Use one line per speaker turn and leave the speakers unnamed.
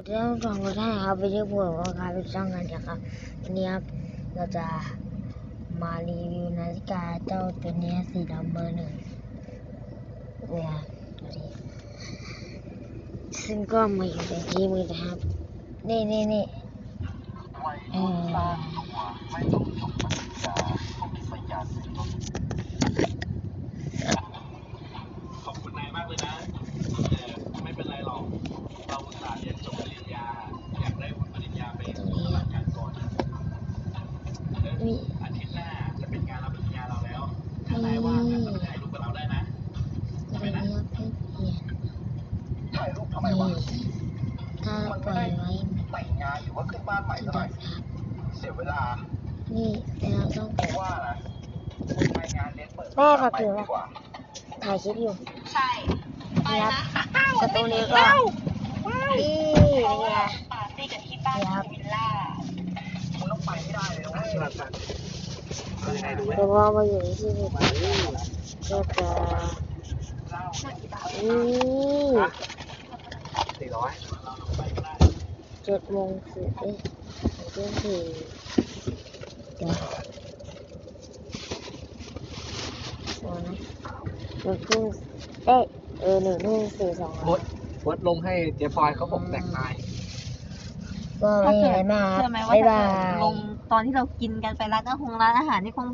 เรื่องของรถให้ครับวิดีโอว่าครับเป็นช่องงานนะครับวันนี้ครับเราจะมารีวิวนาฬิกาเจ้าตัวนี้สีดำเบอร์ 1เนี่ยดูดิซึ่งก็มาอยู่ในที่มือนะครับนี่
ขอบคุณนายมากเลยนะไม่เป็นไรหรอกเราอุตส่าห์เรียนจบปริญญาอยากได้วุฒิปริญญาไปปฏิบัติงานก่อนอาทิตย์หน้าจะเป็นงานรับปริญญาเราแล้วถ้านายว่างก็มาถ่ายรูปกับเราได้นะ
ตัวนี้ครับให้เปลี่ยน
ถ่ายรูปทำไมวะ
ถ้าปล่อยไว้
แต่งงานหรือว่าขึ้นบ้านใหม่
ที่
เท่าไหร่
ดับครับ
เสียเวลา
นี่แต่เราต้อง
เพราะว่านะไปงานเลี้ยงเปิด
แม่ค่ะถือ
ดี
ว่าก
ว่า
ถ่ายคลิปอยู่
ใช่ไป
นี่ครั
นะ
บประตูนี้ก็นี่
เพราะ
นี่
ว่า
ไง
ปาร์ตี้กับที่บ้านวิลล่า
คุณต้องไปให้ได้เลยนะเว้ยยังไงดู
แต่ว่ามาอยู่ในที่นี่ก็จะนี่
400
7:10เที่ยงคืนเดี๋ยวโอ้นะ1:00
วดลงให้เจ๊พลอยเขาบอกแต่งนาย
ก็ไม่มีอะไรมากครับ
เชื่อไหมว่า
บ๊าย
ถ้า
บา
เกิด
ย
ลงตอนที่เรากินกันไปร้านอาหารนี่คง